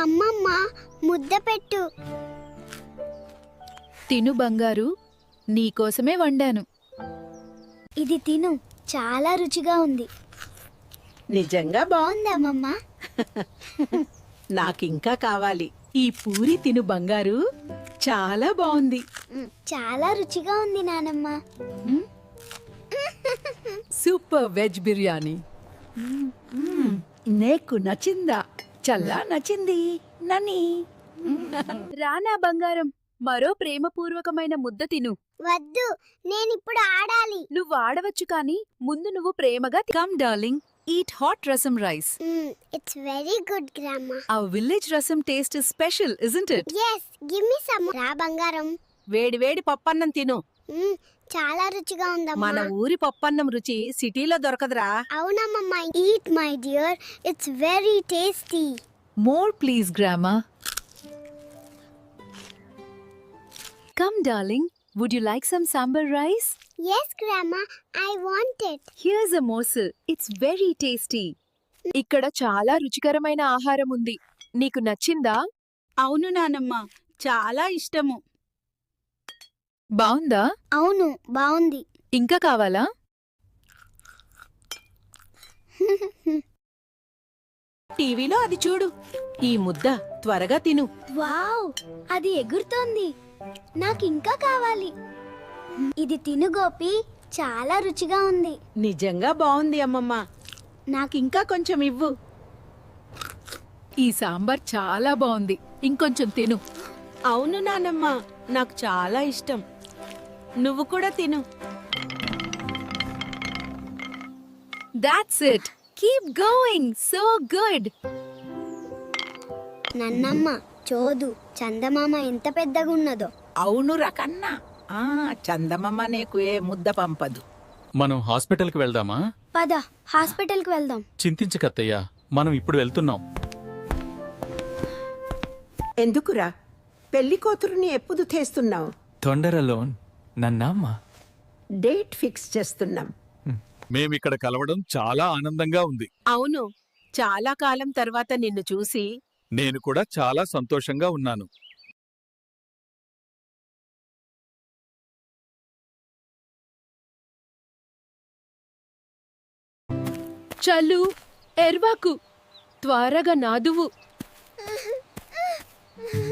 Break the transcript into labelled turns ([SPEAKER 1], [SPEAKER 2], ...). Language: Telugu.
[SPEAKER 1] అమ్మమ్మ ముద్ద పెట్టు.
[SPEAKER 2] తిను బంగారు, నీకోసమే వండాను.
[SPEAKER 1] ఇది తిను, చాలా రుచిగా ఉంది.
[SPEAKER 3] నిజంగా బాగుంది.
[SPEAKER 1] అమ్మమ్మ
[SPEAKER 3] నాకింకా కావాలి. ఈ పూరి తిను బంగారు, చాలా బాగుంది.
[SPEAKER 1] చాలా రుచిగా ఉంది నానమ్మ.
[SPEAKER 4] Super veg biryani. నీకు నచ్చిందా? చల్లా నచ్చింది నని.
[SPEAKER 2] రానా బంగారం, మరో ప్రేమపూర్వకమైన ముద్ద తిను.
[SPEAKER 1] వద్దు, నేనిప్పుడు ఆడాలి.
[SPEAKER 2] నువ్వు ఆడవచ్చు కాని ముందు నువ్వు ప్రేమగా
[SPEAKER 4] Come darling, eat hot rasam rice.
[SPEAKER 1] It's very good grandma.
[SPEAKER 4] Our village rasam taste is special, isn't it?
[SPEAKER 1] Yes, give me some. రా బంగారం.
[SPEAKER 3] వేడి వేడి పప్పన్నం తిను.
[SPEAKER 1] చాలా రుచిగా
[SPEAKER 3] మన
[SPEAKER 1] ఉందమ్మా.
[SPEAKER 3] ఊరి పప్పన్నం రుచి సిటీలో దొరకదురా.
[SPEAKER 1] అవునమ్మమ్మ, eat my dear, it's very tasty.
[SPEAKER 4] More please, Grandma. Come darling, would you like some sambar rice?
[SPEAKER 1] Yes grandma, I want it.
[SPEAKER 4] Here's a morsel. It's very tasty.
[SPEAKER 2] ఇక్కడ చాలా రుచికరమైన ఆహారం ఉంది. నీకు నచ్చిందా?
[SPEAKER 3] అవును నానమ్మ, చాలా ఇష్టము.
[SPEAKER 2] బావుందా?
[SPEAKER 1] అవును, బాగుంది.
[SPEAKER 2] ఇంకా కావాలా?
[SPEAKER 3] టీవీలో అది చూడు. ఈ ముద్ద త్వరగా తిను.
[SPEAKER 1] వావ్, అది ఎగురుతోంది. నాకు ఇంకా కావాలి. ఇది తిను గోపి, చాలా రుచిగా ఉంది.
[SPEAKER 3] నిజంగా బాగుంది అమ్మమ్మ. నాకింకా కొంచెం ఇవ్వు.
[SPEAKER 2] ఈ సాంబార్ చాలా బావుంది. ఇంకొంచెం తిను.
[SPEAKER 3] అవును నానమ్మ, నాకు చాలా ఇష్టం. నువ్వు కూడా తిను.
[SPEAKER 2] That's it. Keep going. So good.
[SPEAKER 1] నన్నమ్మ చోదు, చందమామ ఎంత పెద్దగా ఉన్నదో.
[SPEAKER 3] అవును రకన్నా. చందమామ నీకు ఏ ముద్ద పంపదు.
[SPEAKER 5] మనం హాస్పిటల్కి వెళ్దామా?
[SPEAKER 1] పద, హాస్పిటల్కి వెళ్దాం.
[SPEAKER 5] చింతించకత్తయ్యా, మనం ఇప్పుడు వెళ్తున్నాం.
[SPEAKER 3] ఎందుకురా పెళ్లి కూతురుని ఎప్పుడు తెస్తున్నావు?
[SPEAKER 6] తొందరలోన్ నన్నమ్మ.
[SPEAKER 3] డేట్ ఫిక్స్ చేస్తున్నాం.
[SPEAKER 5] మేమిక్కడ కలవడం చాలా ఆనందంగా ఉంది.
[SPEAKER 3] అవును, చాలా కాలం తర్వాత నిన్ను చూసి
[SPEAKER 5] నేను కూడా చాలా సంతోషంగా ఉన్నాను.
[SPEAKER 2] చల్లు, ఎర్వాకు, త్వరగా నాదువు.